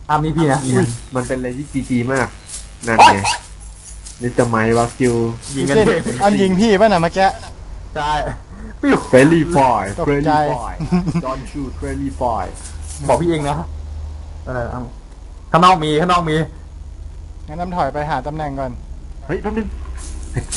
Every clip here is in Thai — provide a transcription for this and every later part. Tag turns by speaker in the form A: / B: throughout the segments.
A: นี่พี่นะ
B: มันเป็นอะไรที่จีจีมากนั่นไงนี่จะไหมวาคิว
A: ยิงกัน
C: อันยิงพี่ป่ะน่ะเมื่อกี้
A: ใช่ปิ้ว
B: เฟรลี่ฟอย
C: ตก
B: เฟร
C: ใจ
B: ลี่ฟอยดอนชูเฟรลี่ฟอย
A: บอกพี่เองนะอะไรข้างนอกมี
C: งั้นน้ำถอยไปหาตำแหน่งก่อน
B: เฮ้ยแป๊บนึงเฮ้ยกู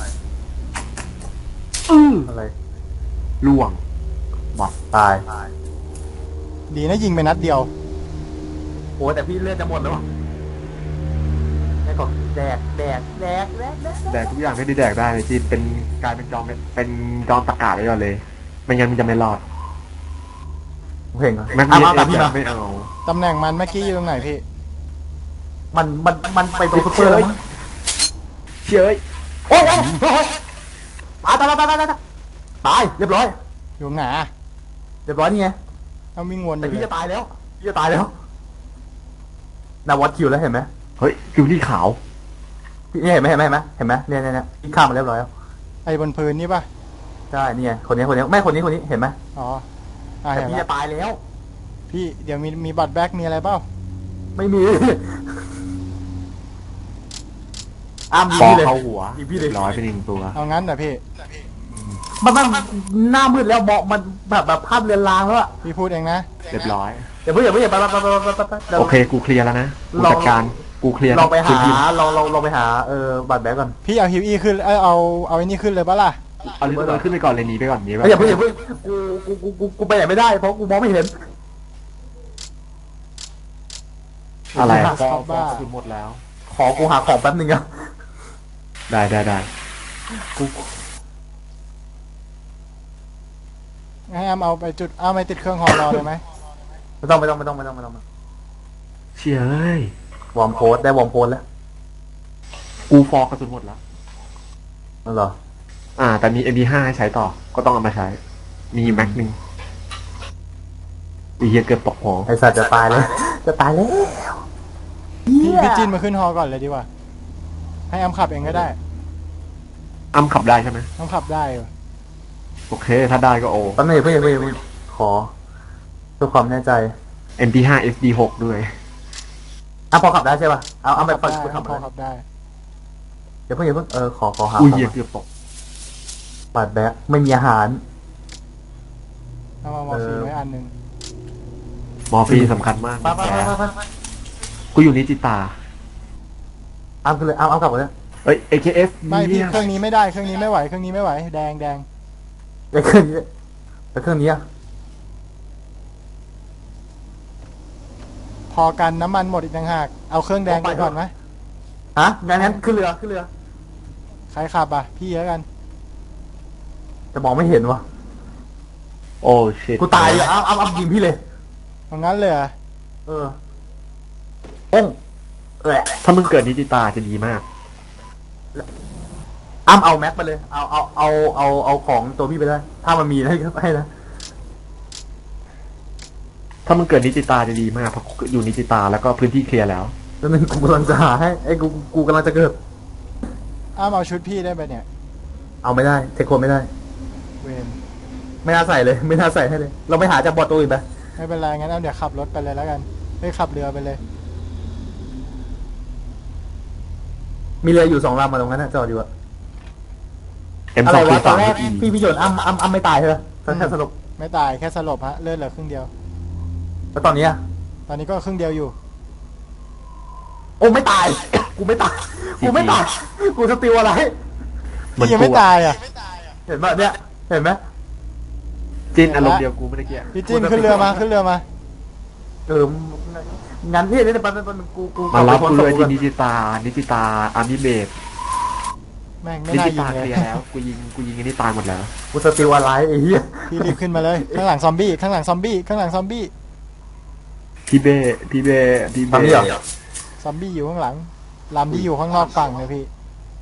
A: อะไร
B: ล่วงบอด
A: ตาย
C: ดีนะยิงไปนัดเดียว
A: โอ้แต่พี่เลือดจะหมดแล้วแค่ก่อนแดก
B: แดกทุกอย่างที่ได้แดกได้เลยจีนเป็นกลายเป็นจอมเป็นจอมตะกาศไปก่อนเลยไม่งั้นมันจะไม่รอด
A: เพลงเหรอ
B: แม็ก
A: เอา
B: เนีย
A: แต่พี่
B: จะ
A: มา
B: ไม่เอา
C: ตำแหน่งมันเมื่อกี้อยู่ตรงไหนพี่
A: มันไปตรงซุปเปอร์แล้วมั้ง
B: เชื่อเอ้ย
A: โอ้ยตายเรียบร้อย
C: อยู่ไหนอะ
A: เรียบร้อยนี่ไง
C: เอาวิ่งวนอ
A: แต่
C: ยู่
A: พี่
C: เลย
A: จะตายแล้วนาวัดคิวแล้วเห็นไหม
B: เฮ้ยคิวที่ขาว
A: พี่เห็นไหมเนี่ยพี่ข้ามมาเรียบร้อยแล้ว
C: ไอ้บนพื้นนี่ป่ะ
A: ใช่นี่ไงคนนี้ไม่คนนี้เห็นไหม
C: อ๋อ
A: แต่
C: เห็น
A: พี่
C: แล้
A: จะ
C: ว
A: ตายแล้ว
C: พี่เดี๋ยวมีบัตรแบ็กมีอะไรเปล่า
A: ไม่มียิง
B: ปอ
A: พี่เลย
B: เข้าหัว
A: ยิงพี่เลย
B: ร้อยเป็นหนึ่งตัว
C: เอางั้นเหรอพี่
A: มันหน้ามืดแล้วเบาะมันแบบภาพเรือนรางแล้วอะ
C: พี่พูดเองนะ
B: เรียบร้อย
A: อย่าเพิ่งไป
B: โอเคกูเคลียร์แล้วนะกูจัดการกูเคลียร์
A: ลองไปหา
B: พื้นที่
A: ลองไปหาบัตรแบกก่อน
C: พี่เอาฮิวอีขึ้นเอาไอ้นี่ขึ้นเลยปะล่ะ
B: เอาลิฟต์ขึ้นไปก่อนเลยหนีไปก่อนหนีไป
A: อย่าเพิ่งกูไปไหนไม่ได้เพราะกูมองไม่เห็น
B: อะไร
C: ชอบบ้า
B: คือหมดแล้ว
A: กูหาของแป๊บนึงอะ
B: ได้กู
C: ให้เอาไปจุดเอาไปติดเครื่องฮอรอเลยไหม
A: ไม่ต้อง
B: เชี่ยเอ้ยว
A: อร์มโพสได้วอร์มโพสแล้ว
B: กูฟอกกระสุนหมดแล้ว
A: นั่นเหรอ
B: แต่มี MP5 ให้ใช้ต่อก็ต้องเอามาใช้มีแม็กนึงอีเหี้ยเกือบตกหอ
A: ไอสัตว์จะตายแล้ว
C: พี่จินมาขึ้นฮอก่อนเลยดีกว่า ให้อ้ำขับเองก็ได้
B: อ้ำขับได้ใช่ไหม
C: อ้ำขับได้อยู่
B: โอเคถ้าได้ก็โอ
A: แป๊บนึงเพื่อนขอเพื่อความแน่ใจ
B: MP5 SD6 ด้วย
A: พอขับได้ใช่ป่ะเอาไป
C: ขับได้
A: ขับ
C: พอขับได้
A: อย่าเพิ่งขอหา
B: อุ้ยเหี้ยเกือบตก
A: บัตรแบกไม่มีอาหาร
C: เอามามอร์ฟีนไว้อันหนึ่ง
B: มอร์ฟีนสำคัญมาก
A: ไป
B: กูอยู่นิจิตา
A: ขึ้นเลยเอากลับมาเลย
B: เอ้ย AKF
C: ไม่พี่
B: เนี่ย
C: เครื่องนี้ไม่ได้เครื่องนี้ไม่ไหวเครื่องนี้ไม่ไหวแดง
A: ไปเครื่องนี้อะ
C: พอกันน้ำมันหมดอีกต่างหากเอาเครื่องแดงไปก่อนไหม
A: งั้นขึ้นเรือ
C: ใครขับอ่ะพี่แล้วกัน
A: จะมองไม่เห็นวะ
B: โอ้ชิต
A: กูตายเลยเอายิงพี่เลย
C: เอางั้นเลยเหรอ
A: โป้ง
B: ถ้ามึงเกิดนิจิตาจะดีมาก
A: เอาแม็กไปเลยเอาของตัวพี่ไปได้ถ้ามันมีให้นะ
B: ถ้ามึงเกิดนิจิตาจะดีมากเพราะอยู่นิจิตาแล้วก็พื้นที่เคลียร์แล้ว
A: แล้วนึงกูกำลังจะหาให้กูกำลังจะเกิด
C: อ้ำเอาชุดพี่ได้ไปเนี่ย
A: เอาไม่ได้เทคโคนไม่ได้
C: เวน
A: ไม่น่าใส่เลย ไม่น่าใส่ให้เลย เราไปหาจากบอร์ดตัวอื่นไป
C: ไม่เป็นไรงั้นเอาเดี๋ยวขับรถไปเลยแล้วกันไม่ขับเรือไปเลย
A: มีเรืออยู่2 ลำมาตรงนั้นนะจอดอยู่อะ
B: M2
A: อะไรวะตอนแรก
B: E
A: พี่โยนอ้ำไม่ตายใช่ไหมแค่สรุป
C: ไม่ตายแค่สลบฮะเลือดเหลือครึ่งเดียว
A: แล้วตอนนี้อะ
C: ตอนนี้ก็ครึ่งเดียวอยู่
A: โอ้ไม่ตาย กูไม่ตายกูสติลอะไร
B: มัน
C: พี่ยังไม่ตายอ่ะ
A: เห็นป่ะเนี่ยเห็นไหม
B: จินอารมณ์เดียวกูไม่ได้เกี่ย
C: พี่จินขึ้นเรือมาขึ้นเรือมา
A: งั้นพี่นี่เป็นกู
B: มารับกูเลยที่
A: นี่
B: นิจิตาอาร์มิเบส
C: แม่งไม่
B: นิ
C: น่า
B: จิ
C: ยิ
B: ตาง
C: เล
B: เค
C: ย
B: ลียร์แล้วกูยิงอันนี้ตายหมดแล้ว
A: กูสติลอะไรไอ้เหี้ย
C: พี่รีบขึ้นมาเลยข้างหลังซอมบี้ข้างหลังซอมบี้ข้างหลังซอมบี้
B: พี่เบ้
A: ตอนนี้เหรอ
C: ซอมบี้อยู่ข้างหลังลำที่อยู่ข้างนอกฝั่งเลยพี่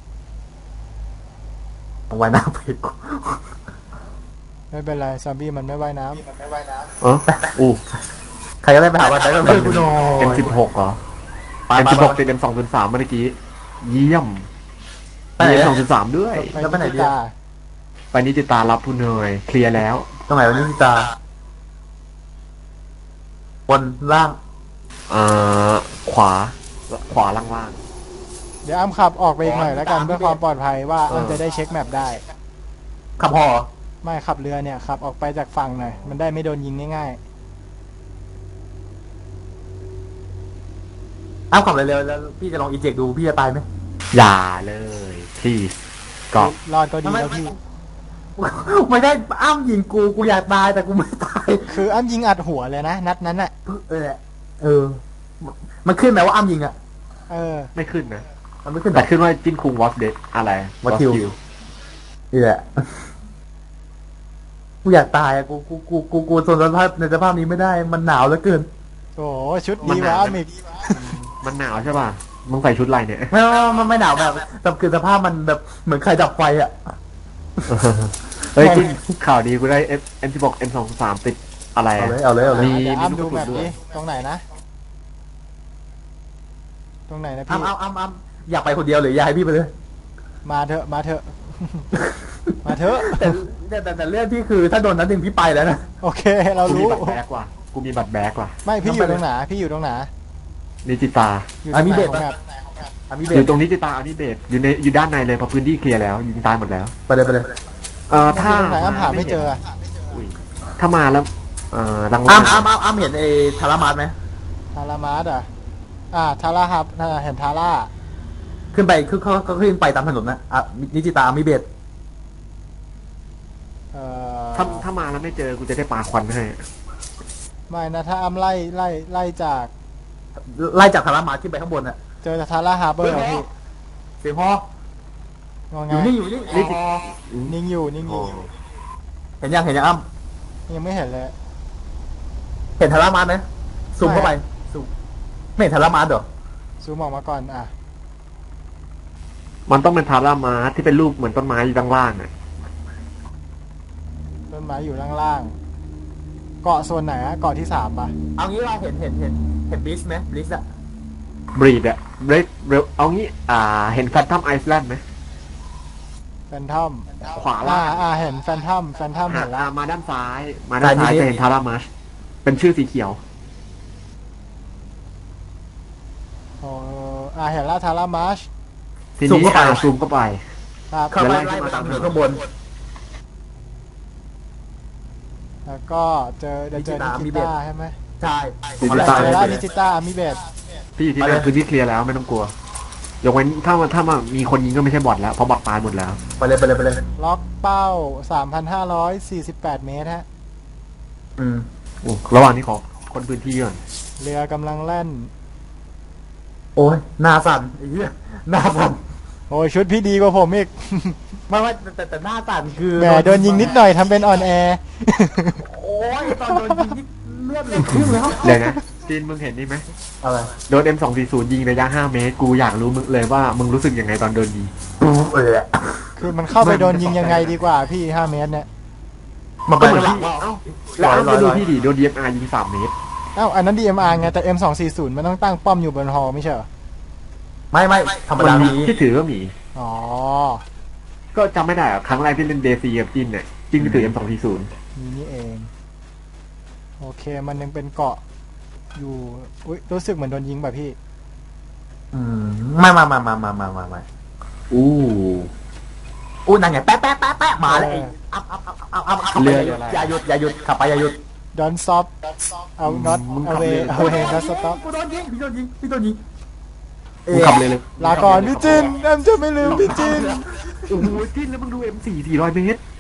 A: เอาไว้หน้าเพจกู
C: ไม่เป็นไรซอมบี้มันไม่ว่ายน้
B: อู้
A: ใครก็ได้ไปหาวันไหนก็ไม่กูหน่อย
B: M16 เหรอ M16 ติด M203 เมื่อกี้เยี่ยม
A: ไปไหน
B: M203 ด้วย
C: ำ
A: แล้วไปไหนดี
C: ตา
B: ไปนิจิตารับผู้เนยเคลียร์แล้ว
A: ตรงไหนวันนี้พี่ตาบนล่าง
B: อ่าขวาขวาล่าง
C: เดี๋ยวอ้ำขับออกไปอีกหน่อยแล้วกันเพื่อความปลอดภัยว่าอ้ำจะได้เช็คแมปได้
A: ขับพอ
C: ไม่ขับเรือเนี่ยขับออกไปจากฝั่งหน่อยมันได้ไม่โดนยิงง่าย
A: อ้าวขับเร็วๆแล้วพี่จะลองอีเจกดูพี่จะตายไหม
B: ๆอย่าเลย please ก็
C: ๆรอดก็ดีแล้วพี่
A: ไม่ได้อ้ำยิงกูอยากตายแต่กูไม่ตาย
C: คืออ้ำยิงอัดหัวเลยนะนัดนั้นอ่ะ
A: เออ มันขึ้นไหมว่าอ้ำยิงอ่ะ
C: เออ
B: ไม่ขึ้นนะ
A: มันไม่ขึ้นหร
B: แต่
A: อ
B: ขึ้นว่าจินคุงวอสเดดอะไร
A: Was killed นี่แหละกูอยากตายอ่ะกูทนสภาพในสภาพนี้ไม่ได้มันหนาวเหลือเกิน
C: โอ้โหชุดดีวะอ้ำอีก
B: มันหนาวใช่ป่ะมึงใส่ชุดอะไรเนี่ย
A: ไม่หนาวแบบแต่คือสภาพมันแบบเหมือนใครดับไฟอ่ะ
B: เฮ้ยจินข่าวดีกูได้ M16 M23 ติดอะไร
A: เอาเลย
B: มี
C: เดี๋ยว
B: มี
C: อ้ำ
B: ลู
C: ดู
B: กก
C: แบ
B: ระ
C: บ
B: สุนด้ว
C: นี้
B: ย
C: ตรงไหนนะ ตรงไหนนะพี่
A: อ้ำอยากไปคนเดียวหรืออยากให้พี่ไปเลย
C: มาเถอะมาเถอะ มาเถอะ
A: แต่เรื่องพี่คือถ้าโดนนั้นหนึ่งพี่ไปแล้วนะ
C: โอเคเรา
B: กูมี
C: รู้
B: บัตรแบกว่ะกูมีบัตรแบกว่ะ
C: ไม่พี่อยู่ตรงไหนพี่อยู่ตรงไหน
B: นิจิตา
C: อยู่ตรงไหนของแมป
A: มีเบ
B: อยู่
A: ส
B: ตรงนิจิตาอันนี้เบสอยู่ด้านในเลยเพราะพื้นที่เคลียร์แล้วยิงตายหมดแล้ว
A: ไปเลย
B: ถ้า
C: ตรงไหนอ้ำหาไม่เจอ
B: อุ้ยถ้ามาแล้วลัง
A: อ้ำเห็นไอ้ทารามาสไหม
C: ทารามาสทาราฮับเห็นทาร่า
A: ขึ้นไปคือเขาขึ้นไปตามถนนนะนิจิตามีเบส
B: ถ้ามาแล้วไม่เจอกูจะได้ปาควันให้
C: ไม่นะถ้าอ้ำไล่จาก
A: ไล่จากทารามาสขึ้นไปข้างบนน่ะ
C: เจอทาร่าฮาร์เบอร์พี่
A: เสียงฮอง
C: ง
A: อยู่นี่
C: นิ่งอยู่นิ่งอยู่
A: เห็นยังอ้ำ
C: ยังไม่เห็นเลย
A: เห็นทารามาสไหมซูมเข้าไปซูมไม่เห็นทารามาสเหรอ
C: ซูมออกมาก่อน
B: มันต้องเป็นทารามาที่เป็นรูปเหมือนต้นไม้อยู่ด้านล่างอ่ะ
C: ต้นไม้อยู่ล่างๆเกาะส่วนไหนเกาะที่3ป่ะ
A: เอางี้เราเห็นบลิสไหมบลิสอะ
B: บรีดอะเร็วเอางี้เห็นแฟนทัมไอซ์แลนด์ไหม
C: แฟนทอม
B: ขวาล่าง
C: เห็นแฟนทอมเห็นแล้ว
B: มาด้านซ้ายจะเห็นทารามาชเป็นชื่อสีเขียว
C: เห็นแล้วทารามาช
B: ทีนี้ซูมเข้าไป
C: ครับ
A: เข้าไปไล่มาตามถนนข้างบน
C: แล้วก็เจอนิจิต้าใช่ไหม
A: ใช่
B: นิจิต้า
C: เจอแล้วนิจิต้ามิเบต
B: พี่อยู่ที่นั่นพื้นที่เคลียร์แล้วไม่ต้องกลัวยกเว้นถ้ามามีคนยิงก็ไม่ใช่บอทแล้วเพราะบอทตายหมดแล้ว
A: ไปเลย
C: ล็อกเป้า 3,548 เมตรฮะ
B: ระหว่างนี้ขอคนพื้นที่ก่อน
C: เรือกำลังแล่น
A: โอ้ยหน้าสั่นไอ้เหี้ยหน้าสั่น
C: โอ้ยชุดพี่ดีกว่าผมอีก
A: ไม่ว่าแต่หน้าสั่นคือ
C: แหมโดนยิงนิดหน่อยทำเป็นออนแอร์
A: โอ้ยตอนโดนยิงนี่เลือดเลยขึ้นแล้ว
B: เลยนะจีนมึงเห็นนี่ไหม
A: อะไร
B: โดน M240 ยิงระยะ5 เมตรกูอยากรู้มึงเลยว่ามึงรู้สึกยังไงตอนโดนยิง
C: คือมันเข้าไปโดนยิงยังไงดีกว่าพี่ 5 เมตรเนี่ย
A: มัน
B: ก็
A: เป็น
B: เหมือน
A: หลั
B: พี่
A: งว่า
B: แล้วอ้ำดูพี่ดิโดน DMR ยิง3 เมตร
C: อันนั้น DMR ไงแต่ M240 มันต้องตั้งป้อมอยู่บนฮอไม่ใช่เหรอ
A: ไม่ธรรมดามี
B: ที่ถือก็มี
C: อ๋อ
B: ก็จำไม่ได้อะครั้งแรกที่เล่นเดซีกับจินเนี่ยจินก็ถือ M240
C: นี่เอง โอเคมันยังเป็นเกาะอยู่อุ๊ยรู้สึกเหมือนโดนยิงแบบพี่
A: ไม่
B: อู้
A: นั่นไงแป๊ะมาเลยอัพอย่าหยุดขับไปอย่าหยุด
C: Don't stop เอา not away away not stop
A: พี่โดนยิง
B: มึงขับเลยเลย
C: ลาก่อนพี่จินแอมจะไม่ลืมพี่จิน
B: โอ้โหจินแล้วมึงดู M4 400 เมตร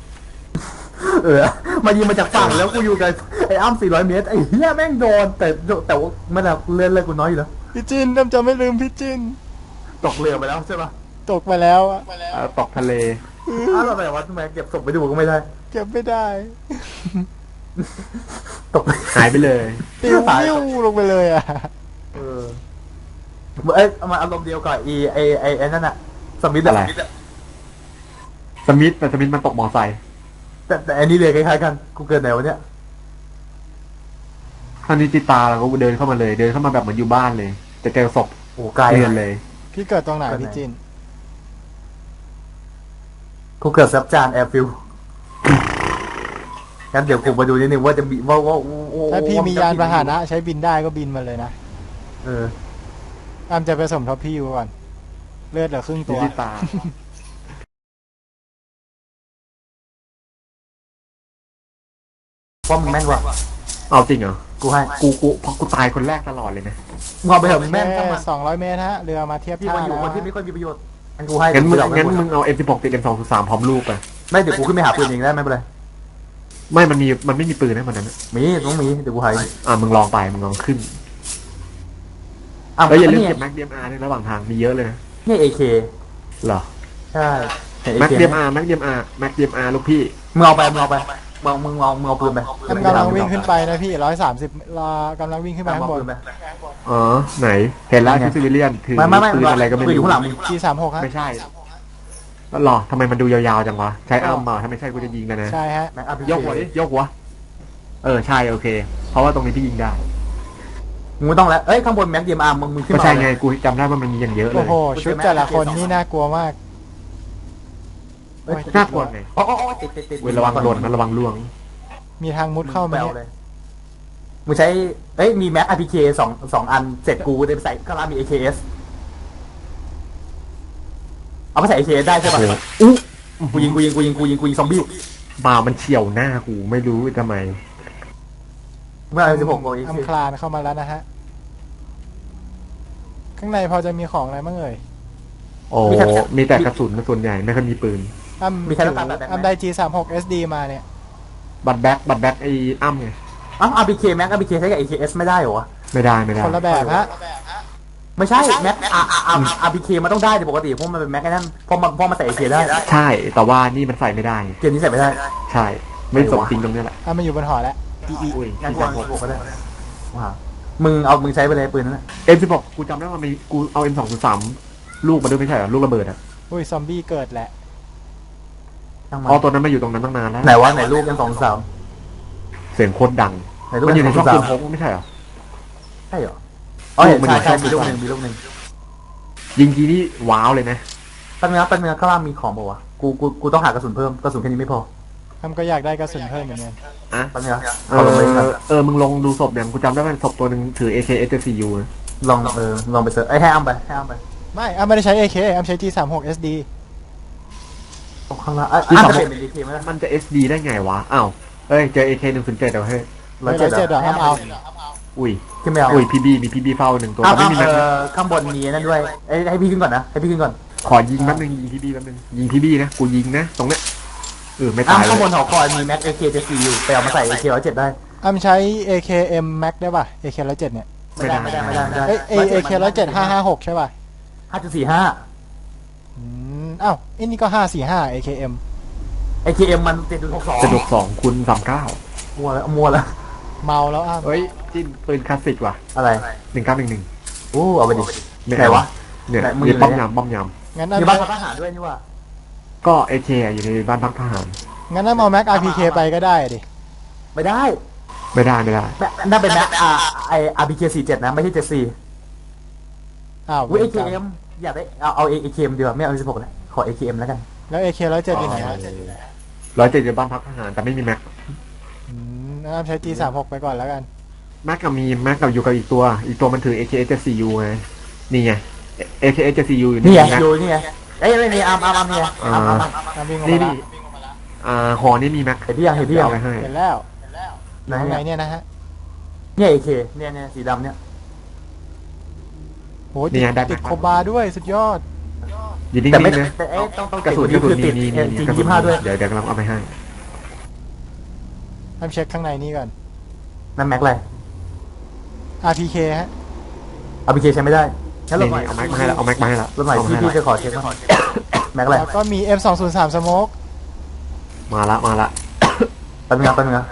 A: มายิงมาจากฝั่งแล้วกูอยู่กับไอ้อ้ำ400 เมตรไอ้เหี้ยแม่งโดนแต่ว่าไม่ได้เลื่อนกูน้อยอยู่แล้ว
C: พี่จินแอมจะไม่ลืมพี่จิน
A: ตกเรือไปแล้วใช่ปะ
C: ตกไปแล้วอะ
B: ตกทะเล
A: เราไปวัดทำไมเก็บศพไปดูก็ไม่ได้
C: เก็บไม่ได้
A: ตก
B: หายไปเลย
C: ปิวปิ้วลงไปเลยอ่ะ
A: มาอารมณ์เดียวกับไอ้นั่นอะสมิธ
B: อะไร สมิธแต่สมิธมันตกมอไซค์
A: แต่อันนี้เลยคล้ายๆกันกูเกิดไหนวะเนี่ย
B: ท่านิจิตาเราก็เดินเข้ามาเลยเดินเข้ามาแบบเหมือนอยู่บ้านเลยจะเจอศพ
A: โอ้ไกล
B: เรียนเลย
C: พี่เกิดตรงไหนพี่จิน
A: กูเกิดซับจานแอร์ฟิลงั้นเดี๋ยวกูมาดูนิดนึงว่าจะมีว่า
C: ถ้าพี่มียานพาหนะใช้บินได้ก็บินมาเลยนะ
A: เออ
C: อ้ำจะไปสมทบพี่ยูก่อนเลือดเหลือครึ่ง
B: ตั
C: ตัว ว
B: ที่ตา
A: เพราะมึงแม่นกว่า
B: เอาจริงเหรอ
A: กูให้
B: กูเพราะกูตายคนแรกตลอดเลยนะ
A: มึงเอาไปเถอะมึงแม่นทั้งมัน
C: 200 เมตรฮะเรือมาเทียบ
A: พี่
C: ท่า
A: มาอยู่
C: แล้ว
A: คนที่ไม่ค่อยมีประโยชน์งั้นกูให้
B: งั้นมึง
A: เดี๋ยว
B: งั้น
A: กู
B: มึงเอา M16 ติด M203 พร้อมลูกไป
A: ไม่เดี๋ยวกูขึ้นไปหาปืนเองได้ไม่เป็นไร
B: ไม่มันไม่มีปืนนะมันนั้น
A: มีต้องมีเดี๋ยวกูให้
B: มึงลองไปมึงลองขึ้น
A: อ้าว
B: แล้วอย่าลืม
A: เนี่
B: เก็บแม็ก DMR ในระหว่างทางมีเยอะเลยนะ
A: เนี่ย AK
B: เหรอ
A: ใช่เนี่ย
B: แม็ก
A: AK
B: DMR แม็ก DMR ลูกพี่
A: มึงเอาไปมึงเอาปืนไป
C: อ้ำกำลังวิ่งขึ้นไปนะพี่130รอกำลังวิ่งขึ้นไป
A: เอา
C: ข้างบน
A: ปืนไป
B: อ๋อไหนเห็นแล้วที่ซิวิเลียนถือ
A: ไม่
B: ปืนอะไรก็ไม่
A: ปืนอยู่
B: รู้
A: ข้างหลังมึง
C: G36 ฮะ
B: ไม่ใช่แล้วหรอทำไมมันดูยาวๆจังวะใช้อ้ำมาถ้าไม่ใช่กูจะยิงกันนะ
C: ใช่ฮะ
A: แม็ก RPG
B: ยกหัวดิยกหัวใช่โอเค เพราะว่าตรงนี้พี่ยิงได้
A: มึงไม่ต้องแล้วเอ้ยข้างบนแม็ก DMR มึงขึ้น
B: ก็
A: มา
B: ใช่ไงกูจำได้ว่ามันมีอย่างเยอะเล
C: โอ้
B: ย
C: โหชุดแต่ละคนนี่น่ากลัวมาก
A: เอ้ย
B: น่ากลัวไง
A: อ๋อติด
B: เว้ยระวังหล่นนะระวังล่วง
C: มีทางมุดเข้า
A: ไป
C: มา
A: เอา
C: เนี่ย
A: เลยมึงใช้เอ้ยมีแม็ก RPG สองอันเสร็จกูได้ไปใส่ข้างล่างมี AKS เอาไปใส่ AKS ได้ใช่ป่ะ
B: อู้
A: กูยิงซอมบี้
B: บ่ามันเฉียวหน้ากูไม่รู้ทำไม
A: เมื่อ16โมง
C: อ้ำคลานเข้ามาแล้วนะฮะข้างในพอจะมีของอะไรบ้างเอ่ย
B: โอ้มีแต่กระสุนส่วนใหญ่ไม่ค่อยมีปืน
C: อ้ำ
A: มีใครต้องการแบบไหน
C: อ้ำได้ G36 SD มาเนี่ย
B: บัตรแบ็คไอ้อ้ำไง
A: อ้าว RPK แม็ก RPK ใช้กับ AKS ไม่ได้เหรอวะ
B: ไม่ได้
C: คนละแบบฮะ
A: ไม่ใช่แม็ก RPK มันต้องได้แต่ปกติเพราะมันเป็นแม็กไอ้นั่นเพราะมันใส่ AK ได้
B: ใช่แต่ว่านี่มันใส่ไม่ได้
A: เกมนี้ใส่ไม่ได้
B: ใช่ ไม่สมจริงตรงนี้แหละ
C: อ้ำมาอยู่บนหอแล้ว
B: อุ้ย
A: งั้น
B: ที่
A: กู
B: จะ
A: เอา
B: หก
A: 16ก็ได้ว้าวมึงใช้ไปเลยปืนนั้นนะ
B: M16 กูจำได้ว่ามีกูเอา M203 ลูกมาด้วยไม่ใช่เหรอลูกระเบิดอ่ะ
C: อุ้ยซอมบี้เกิดแหละ
A: ช่างมัน
B: อ๋อตัวนั้นมาอยู่ตรงนั้นตั้งนานแล้ว
A: ไหนวะไหนรูปยัง2-3
B: เสียงโคตรดัง
A: ไหนรูป
B: มันอยู่ในช่องปืนพ
A: 2-3
B: กไม่ใช่เหรอ
A: ใช่เหรออ๋อเห็น
B: มันอยู่
A: ใช่
B: ช่อง
A: มีรูปหนึ่ง
B: ยิงทีนี่ว้าวเลยนะ
A: แป๊บนึงข้างล่างมีของบอกว่าวะกูต้องหากระสุนเพิ่มกระสุนแค่นี้ไม่พอ
C: อ้ำก็อยากได้กระสุนเพิ่มเหมือนกัน
B: อ่ะ
A: แป๊บนึงนะเอาลงไปครับ
B: มึงลองดูศพเนี่ยกูจำได้ว่าศพตัวหนึ่งถือ AK SCU นะ
A: ลองไปเสิร์ชให้อ้ำไป
C: ไม่อ้ำไม่ได้ใช้ AK อ้ำใช้ G36 SD
A: ตรงข้างล่างอ้ำจะเปลี่ยนเป็น AK ไหมล่ะ
B: มันจะ SD ได้ไงวะอ้าวเจอ AK 107เดี๋ยวเฮ้ย
C: 107เหรออ้ำเอา
B: อุ้ย
A: ขึ้นไม่เอา
B: อุ้ย PB มี PB เฝ้าหนึ่งตัวแต่ไม่มีแม็กนะ
A: ข้างบนมีนั่นด้วยให้พี่ขึ้นก่อนนะให้พี่ขึ้นก่อน
B: ขอยิงแป๊บนึงยิง PB แป๊บนึงยิง PB นะกูยิงนะตรงเนี้ยไม่ตายเล
A: ข้างบน
B: ย
A: หอคอยมีแม็ก AK 74อยู่ไปเอามาใส่ AK 107ได้
C: อ้ำใช้ AKM Max ได้ป่ะ AK 107เนี่ย
A: ไม่ได้
C: เอ้ย AK 107 556ใช่ป่ะ
A: 5.45
C: อ้าวไอ้นี่ก็545 AKM
A: AKM มัน7.62
B: จะดก2คูณ39
A: มัวแล้ว
C: เมาแล้วอ้ำ
B: เฮ้ยจิ้นปืนคลาสสิกว่ะ
A: อะไร
B: 1911
A: อู้เอาไปดิ
B: ไม่
A: ไหนวะ
B: เนี่ย
A: ไหนมึง
B: มี
A: อยู่
B: ป้อม
A: ไหน
B: ยามป้อมยาม
C: งั้น
A: อยู่บ้าน
C: อ้ำ
A: ทหารด้วยนี่ว่า
B: ก็ AK อยู่ในบ้านพักทหาร
C: งั้นอ้ำเอา Max RPK ไปก็ได้ดิ
A: ไม่ได้
B: ไม่ได้
A: นั่นเป็นแม็กRPK 47นะไม่ใช่74
C: อ้าว
A: อุ้ย AKM อยากได้เอา AKM ดีกว่าไม่เอา 16เลยขอ AKM แล้วกัน
C: แล้ว AK 107อยู่ไหนฮะ
B: 107อยู่บ้านพักทหารแต่ไม่มีแม็ก
C: อ้ำใช้ G36 ไปก่อนแล้วกัน
B: แม็กกับอยู่กับอีกตัวมันถือ AKS-CU ไงนี่ไง AKS-CU อยู่
A: นี่ไง
B: แม็ก
A: ดูนี่ไงไม่มีอาร์มนี่ไงอาร์ม
C: อ้ำวิ่งลง
B: นี่
C: มา
B: นี่
C: ละ
B: หอนี่มีแม็ก
A: เห็นพี่ยัง
B: เอาไปให้
C: เห็นแล้ว
A: ไหน
C: ข้างในเนี่ยนะฮะ
A: เนี่ย AK เนี่ยสีดำเนี่ย
C: โหติดโคบาด้วยสุดยอด
B: อยู่นิ่
A: แต่ไม่
B: งๆนะ
A: แต่ต้อง
B: กระสุน
A: คือติด
B: นี่
A: จริง
B: กระสุน
A: 25ด้วย
B: เดี๋ยวกำลังเอาไปให้
C: อ้ำเช็คข้างในนี่ก่อน
A: นั่นแม็กอะไร
C: RPK ฮะ
A: RPK ใช้ไม่ได้งั้น
B: นี่
A: เราหน่อย
B: เอาแม็กมาให้แล้วเอาแม็กมาให้แล้ว
A: เราหน่อย
B: เอามาให้
A: พี่
B: แล้ว
A: จะขอเช็คก่อนแม็กอะไร
C: แล้วก็มี M203 Smoke
B: มาละ
A: แป๊บนึงนะ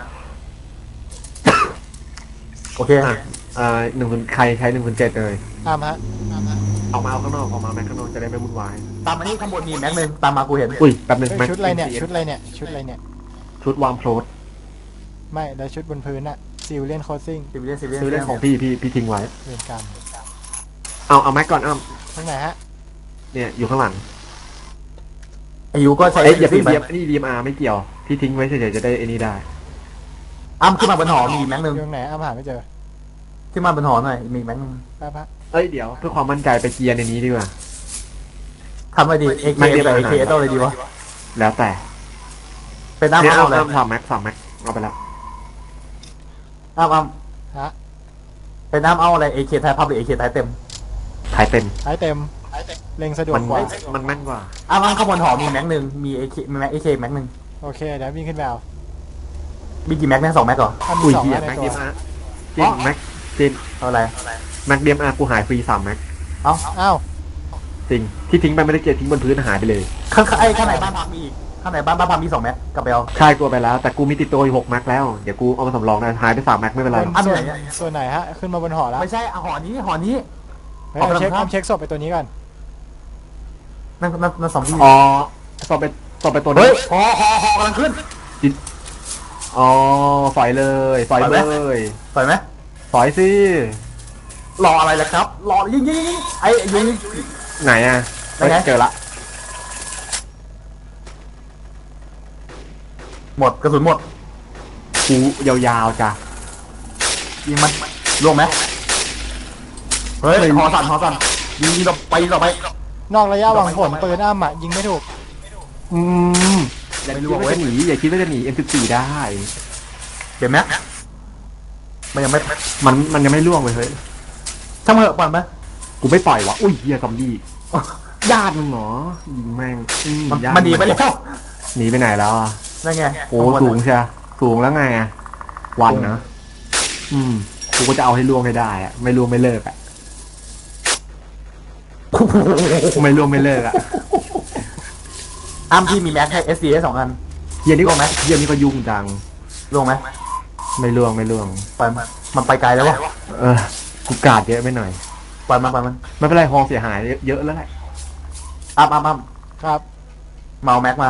A: โอเค
B: ใครใช้107เลย
C: อ้ำฮะ
B: เอามาข้างนอกแม็กข้างนอกจะได้ไม่วุ่นวาย
A: ตามมานี่ข้างบนมีแม็กนึงตามมากูเห็น
B: อุ้ยแป๊บนึง
C: เฮ้ย
B: แม็ก
C: ชุดอะไรเนี่ย
B: MCS
C: ชุดอะไรเนี่ย ชุดอะไรเนี่ย
B: ชุดวางโพลด
C: ไม่แล้วชุดบนพื้นอะซิลเลียนโคซิ่ง
A: ซีเรียส
B: ซื้อเล่นของพี่ทิ้งไว้
C: เรียนกรรม
B: เอาแม็กก่อน
C: ข้างไหนฮะ
B: เนี่ยอยู่ข้างหลัง
A: อายุก็ใช้
B: อย่า
A: สี่
B: เพิ่ง
A: ไป
B: นี่ DMR ไม่เกี่ยวพี่ทิ้งไว้เฉยๆจะได้ไอ้นี่ได้
A: อ้ำขึ้นมาบนหอมีแม็กนึง
C: อยู่ตรงไหนอ้ำหาไม่เจอ
A: ที่มาบนหอหน่อยมีแม็กนึง
C: แป๊บฮะ
B: เอ้ยเดี๋ยวเพื่อความมั่นใจไปเกียร์ในนี้ดีกว่า
A: ทำอะไรดี AK
B: ไม่ได้
A: กับ
B: ไป
A: AK
B: ไหน
A: ต้องเลยดีวะ
B: แล้วแต่
A: เป็นอ้ำ
B: เนี่ย
A: เอาเลย
B: สามแม็กเอาไปแล้ว
A: อ้ำ
C: ฮะ
A: เป็นอ้ำเอาอะไร AK ไทยพับหรือ AK ไทยเต็ม
B: ถ่ายเต็ม
C: ท้ายเต็มเล็งสะดวก
B: มัน
C: กว่า
B: มันแม่นกว่า
A: อ้ำข้างบนหอมีแม็กนึงมี AK มีแม็ก AK แม็กนึง
C: โอเคเดี๋ยววิ่งขึ้นไปเอา
A: มีกี่แม็กเนี่ย2 แม็กเหรอ
C: ถ้ามี
B: อุ้ย
C: สอง
B: เหี้ย
C: ใน
B: แม็ก
C: ตั
B: เดี
C: วย
B: มอาร์จริงแม็กจริง
A: เอาอะไร
B: แม็กเดียมอาร์กูหายฟรี3 แม็ก
A: เอ้า
C: อ้าว
B: จริงที่ทิ้งไปไม่ได้เกียร์ทิ้งบนพื้นหายไปเลย
A: ข้างไอ้ข้างไหนบ้านพักมีอีกข้างไหนบ้านพักมี2 แม็กกลับไปเอา
B: ใช่กูเอาไปแล้ว แต่กูมีติดตัวอยู่6 แม็กแล้วเดี๋ยวกูเอามาสำรองนะหายไป3 แม็กไม่เป็นไร
A: อัน
C: ส่
A: ไห
C: วน
A: นอะ
C: ส่วนไหนฮะขึ้นมาบนหอแล้ว
A: ไม่ใช่หอนี้
C: เฮ้ย
A: เอาไป
C: เอาเช็ค
A: ทำครับ
C: เช็คศพไปตัวนี้ก่อน
A: นั่นสองที่
B: อ๋อต่อไปตัว
A: เฮ้
B: นี้
A: ยหอกำลังขึ้น
B: อ๋อฝอยเลยฝอย
A: ปล่อยไห
B: เล
A: ม
B: ย
A: ปล่อยไหม
B: ฝอยสิ
A: รออะไรล่ะครับรอยิงไอ้ยิง
B: ไหนอ่ะเฮ้ย
A: ไหน
B: เจอละ
A: หมดกระสุนหมด
B: กูยาวๆจ้ะ
A: ยิงมันล่วงไหมเฮ้ยหอสั่นยิงต่อไปต่อไป
C: นอกระยะหวังผลปืนอ้ำอ่ะยิงไม่ถูก
B: อืมอย่าคิดว่าจะหนีอย่าคิดว่าจะหนี M14 ได้
A: เห็นไหมมันยังไม่
B: มันยังไม่ล่วงเลยเฮ้ย
A: ช่างมันเถอะปล่อยไหม
B: กูไม่ปล่อยวะอุ้ยเฮียซอมบี้ญาติมึงเหรอยิงแม่งญาติ
A: มันดีไปแล้ว
B: หนีไปไหนแล้วอ่ะ
A: นั่นไง
B: โอ้สูงใช่สูงแล้วไงอะวันนะกูก็จะเอาให้ล่วงให้ได้อะไม่ล่วงไม่เลิกอะไม่ล่วงไม่เลิกอะ
A: อ้ามที่มีแม็กให้ SC ได้2 อัน
B: เฮียนี่
A: ล่วงไหม
B: เฮียนี่ก็ยุ่งจัง
A: ล่วงไหม
B: ไม่ล่วง
A: ปล่อยมันไปไกลแล้ววะ
B: เออกูกาดเยอะไปหน่อย
A: ปล่อยมัน
B: ไม่เป็นไรฮองเสียหายเยอะแล้วแหละ
A: อ้าม
C: ครับ
A: เมาแม็กมา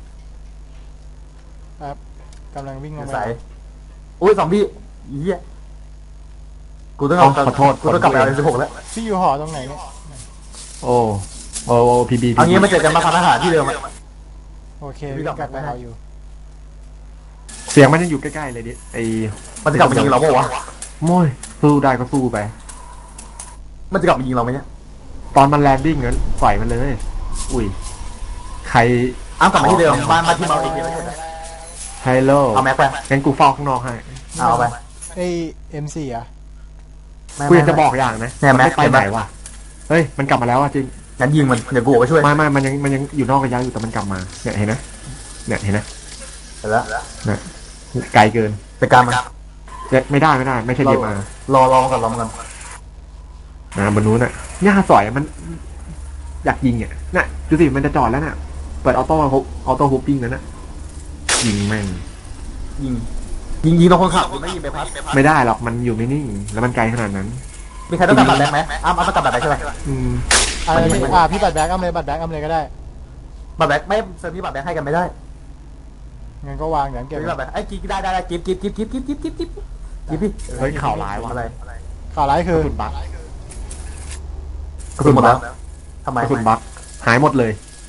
C: ครับกำลังวิ่งลงไป
A: ใส่อุ้ยซอมบี้เหี้ยกูต้องเอา
B: ขอโทษ
A: กูต้องกลับไปเอา16แล้ว
C: พี่อยู่หอตรงไหนเนี่ย
B: โอ้พีบี
A: เอางี้มาเจอกันมาทานอาหารที่เดิมอะ
C: โอเควิ่งกลับไปเอาอยู่
B: เสียงมันยังอยู่ใกล้ๆเลยดิไอ้
A: มันจะกลับมายิงเราเปล่าวะ
B: โม้ยสู้ได้ก็สู้ไป
A: มันจะกลับมายิงเราไหมเนี่ย
B: ตอนมันแลนดิ้งงั้นปล่อยมันเลย อุ้ยใคร
A: อ้ามกลับมาที่เดิมบ้านที่เมาเองเลย
B: ไฮโล
A: เอาแม็กไป
B: งั้นกูเฝ้าข้างนอกให้
A: เอาไป
C: ไอ้ M4 อ่ะ
B: กูอยากจะบอกอย่างนะ
A: เนี่ย
B: มัน
A: แม็
B: ไม่
A: ก
B: ไปไหนวะเฮ้ยมันกลับมาแล้วอ่ะจริง
A: งั้นยิงมันเดี๋ยวกูออกไปช่วย
B: ไม่มันยังอยู่นอกระยะอยู่แต่มันกลับมาเนี่ยเห็นนะเนี่ยเห็นนะ
A: เสร็จแล้ว
B: เนี่ยไกลเกิน
A: จัดการมัน
B: ไม่ได้ไม่ใช่เดียมาร
A: อกันรอกัน
B: บนนู้นน่ะหญ้าสอยมัน อยากยิงอ่ะน่ะดูสิมันจะจอดแล้วน่ะเปิดออโต้ฮุปปิ้งแล้วน่ะยิงแม่ง
A: ยิงตรงคนขับไม่ยิงไปพัด
B: ไม่ได้หรอกมันอยู่ไม่นิ่งแล้วมันไกลขนาดนั้น
A: มีใครต้องกลับบัตรแบงค์ไหมอ้ามต้องกลับบัตรแบงค์ใช่ไหม
B: อืม
C: พี่บัตรแบ็กอ้ำเลยบัตรแบ็กอ้ำเลยก็ได้
A: บัตรแบงค์ไม่เซอร์พี่บัตรแบงค์ให้กันไม่ได้
C: งั้นก็วางเดี๋ยวเก็บ
A: พี่บัตรแบงค์ไอ้กิ๊กได้กิ๊บพี่
B: เฮ้ยข่าวร้ายว่ะ
A: อะไร
C: ข่าวร้าย
B: ก
C: คือ
B: ระสุนบัก
A: กระสุนหมดแล้วทำไม
B: กระสุนบักหายหมดเลย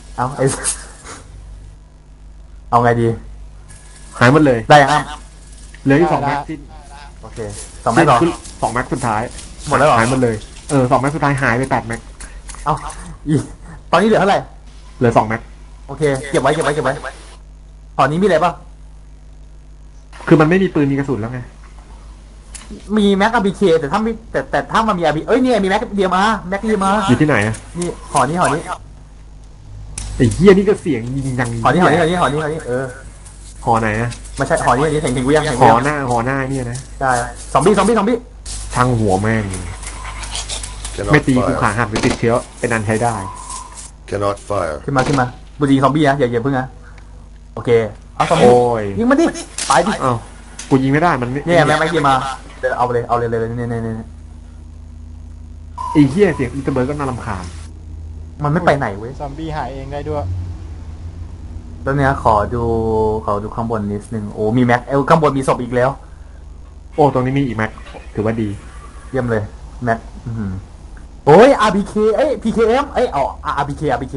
A: เอาไงดี
B: หายหมดเลย
A: ได้ยังอ้าม
B: เหลืออยู่2 แม็กที่
A: โอเค2 แม็กเหรอ
B: 2 แม็กสุดท้าย
A: หมดแล้วเหรอ
B: หายหมดเลย2 แม็กสุดท้ายหายไป8 แม็ก
A: เอาตอนนี้เหลือเท่าไหร่
B: เหลือ2 แม็ก
A: โอเคเก็บไว้ตอนนี้มีอะไรป่ะ
B: คือมันไม่มีปืนมีกระสุนแล้วไง
A: มีแม็กอาร์บีเคแต่ถ้ามีแต่ถ้ามันมีอาร์บีเนี่ยมีแม็กเดียมาแม็กเดียมา
B: อยู่ที่ไหนอะ
A: นี่หอนี้
B: ไอ้เหี้ยนี่ก็เสียงยิงยัง
A: หอนี้หอ
B: ไหนอะ
A: ไม่ใช่หอนี้เห็นกูยัง
B: หอหน้าเนี่ยนะ
A: ใช่ซอมบี้
B: ช่างหัวแม่ง
D: Cannot
B: ไม่ตีกู
D: fire.
B: ขาหักหรือติดเชื้อเป็นอันใช้ได้
D: Cannot fire.
A: ขึ้นมาบุรีซอมบี้นะอย่าเพิ่งนะโอเคเอาซอมบี้
B: โอ้ย
A: ยิงมันดิตายดิ
B: อ้าวกูยิงไม่ได้มันไม่
A: เนี่ยแม็กเดียมาเอาเลยเนี่ย
B: ไอ้เหี้ยเสียงอีเตอร์เบิร์ดก็น่ารำคาญ
A: มันไม่ไปไหนเว้ย
C: ซอมบี้หายเองได้ด้วย
A: แล้วเนี่ยขอดูข้างบนนิดนึงโอ้มีแม็กข้างบนมีศพอีกแล้ว
B: โอ้ตรงนี้มีอีกแม็กถือว่าดี
A: เยี่ยมเลยแม็กโอ้ย RBK PKM เอาRBK